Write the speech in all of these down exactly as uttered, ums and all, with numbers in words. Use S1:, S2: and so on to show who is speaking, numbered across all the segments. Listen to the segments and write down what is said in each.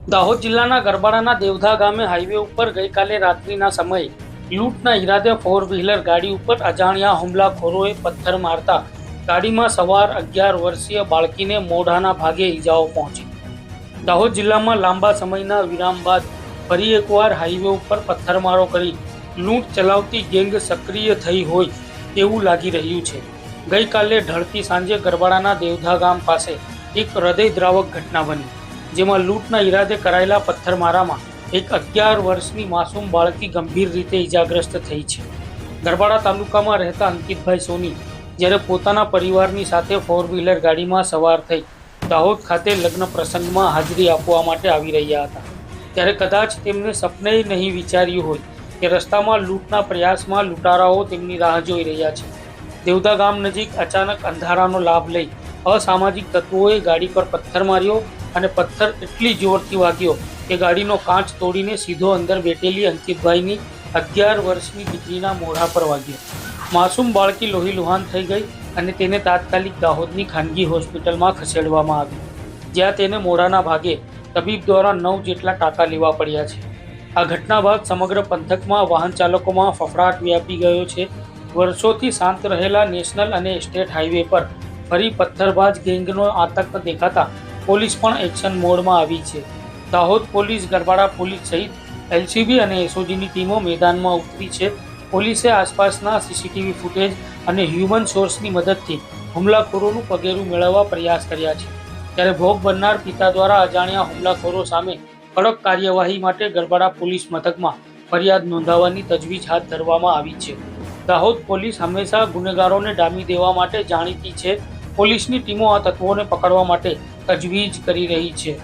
S1: દાહોદ જિલ્લાના ગરબાડાના દેવધા ગામે હાઈવે ઉપર ગઈકાલે રાત્રિના સમયે લૂંટના ઈરાદે ફોર વ્હીલર ગાડી ઉપર અજાણ્યા હુમલાખોરોએ પથ્થર મારતા ગાડીમાં સવાર અગિયાર વર્ષીય બાળકીને મોઢાના ભાગે ઈજાઓ પહોંચી. દાહોદ જિલ્લામાં લાંબા સમયના વિરામ બાદ ફરી એકવાર હાઈવે ઉપર પથ્થરમારો કરી લૂંટ ચલાવતી ગેંગ સક્રિય થઈ હોય તેવું લાગી રહ્યું છે. ગઈકાલે ઢળતી સાંજે ગરબાડાના દેવધા ગામ પાસે એક હૃદયદ્રાવક ઘટના બની, જેમાં લૂંટના ઈરાદે કરાયેલા પથ્થરમારામાં એક અગિયાર વર્ષની માસૂમ બાળકી ગંભીર રીતે ઈજાગ્રસ્ત થઈ છે. ગરબાડા તાલુકામાં રહેતા અંકિતભાઈ સોની જ્યારે પોતાના પરિવારની સાથે ફોર વ્હીલર ગાડીમાં સવાર થઈ દાહોદ ખાતે લગ્ન પ્રસંગમાં હાજરી આપવા માટે આવી રહ્યા હતા, ત્યારે કદાચ તેમને સપને નહીં વિચાર્યું હોય કે રસ્તામાં લૂંટના પ્રયાસમાં લૂંટારાઓ તેમની રાહ જોઈ રહ્યા છે. દેવધા ગામ નજીક અચાનક અંધારાનો લાભ લઈ અસામાજિક તત્વોએ ગાડી પર પથ્થર માર્યો અને પથ્થર એટલી જોરથી વાગ્યો કે ગાડીનો કાચ તોડીને સીધો અંદર બેઠેલી અંકિતભાઈની અગિયાર વર્ષની દીકરીના મોઢા પર વાગ્યો. માસૂમ બાળકી લોહીલુહાન થઈ ગઈ અને તેને તાત્કાલિક દાહોદની ખાનગી હોસ્પિટલમાં ખસેડવામાં આવી, જ્યાં તેને મોઢાના ભાગે તબીબ દ્વારા નવ જેટલા ટાંકા લેવા પડ્યા છે. આ ઘટના બાદ સમગ્ર પંથકમાં વાહન ચાલકોમાં ફફડાટ વ્યાપી ગયો છે. વર્ષોથી શાંત રહેલા નેશનલ અને સ્ટેટ હાઈવે પર ફરી પથ્થરબાજ ગેંગનો આતંક દેખાતા પોલીસ પણ એક્શન મોડમાં આવી છે. દાહોદ પોલીસ, ગરબાડા પોલીસ સહિત એલસીબી અને એસઓજીની ટીમો મેદાનમાં ઉતરી છે. પોલીસે આસપાસના સીસીટીવી ફૂટેજ અને હ્યુમન સોર્સની મદદથી હુમલાખોરોનું પગેરું મેળવવા પ્રયાસ કર્યા છે. ત્યારે ભોગ બનનાર પિતા દ્વારા અજાણ્યા હુમલાખોરો સામે કડક કાર્યવાહી માટે ગરબાડા પોલીસ મથકમાં ફરિયાદ નોંધાવવાની તજવીજ હાથ ધરવામાં આવી છે. દાહોદ પોલીસ હંમેશા ગુનેગારોને ડામી દેવા માટે જાણીતી છે. પોલીસની ટીમો આ તત્વોને પકડવા માટે તજવીજ કરી રહી છે.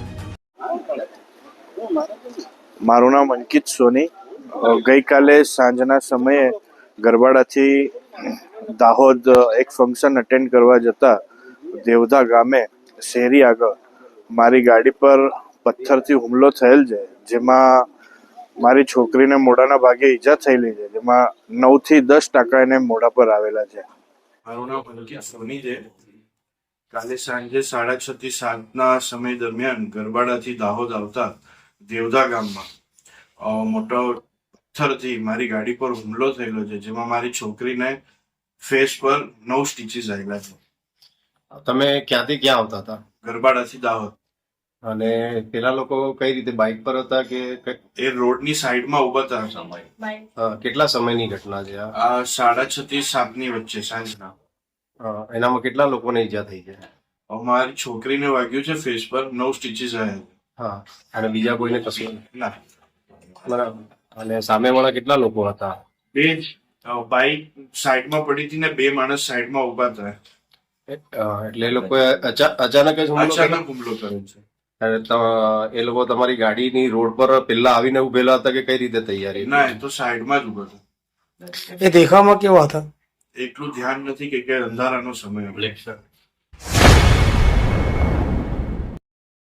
S2: મારું નામ અંકિત સોની. ગઈકાલે સાંજના સમયે ગરબાડાથી દાહોદ એક ફંક્શન અટેન્ડ કરવા જતા દેવધા ગામે શેરી આગળ મારી ગાડી પર પથ્થરથી હુમલો થયેલ છે, જેમાં મારી છોકરીને મોઢાના ભાગે ઈજા થયેલી છે, જેમાં નવ થી દસ ટકા એને મોઢા પર આવેલા છે.
S3: મારું નામ અંકિત સોની છે. કાલે સાંજે સાડા છ થી સાતના સમય દરમિયાન ગરબાડાથી દાહોદ આવતા દેવધા ગામમાં મોટો પથ્થરથી મારી ગાડી પર હુમલો થયેલો છે, જેમાં મારી છોકરીને ફેસ પર નવ સ્ટીચીસ આવેલા છે.
S4: તમે ક્યાંથી ક્યાં આવતા હતા?
S3: ગરબાડાથી દાહોદ.
S4: અને પેલા લોકો કઈ રીતે બાઇક પર હતા કે
S3: એ રોડની સાઈડમાં ઉભા હતા.
S4: કેટલા સમયની ઘટના છે આ?
S3: આ સાડા છ થી સાતની વચ્ચે સાંજના.
S4: એનામાં કેટલા લોકોને ઈજા થઈ છે?
S3: મારી છોકરીને વાગ્યું છે ફેસ પર, નવ સ્ટીચીસ આવ્યા.
S4: હા, અને બીજા કોઈને કશું
S3: ના.
S4: બરાબર. અને સામેવાળા કેટલા લોકો હતા?
S3: બે જ. બાઇક સાઈડમાં પડી હતી ને બે માણસ સાઈડમાં ઉભા હતા.
S4: એટલે એ લોકોએ અચાનક જ હુમલો
S3: અચાનક હુમલો કર્યો છે.
S4: એ લોકો તમારી ગાડીની રોડ પર પેલા આવીને ઉભેલા હતા કે કઈ રીતે તૈયારી?
S3: ના, એ તો સાઈડમાં જ ઉભો હતો.
S1: એ દેખાવમાં કેવા હતા?
S3: એટલું ધ્યાન નથી કે અંધારાનો સમય હતો.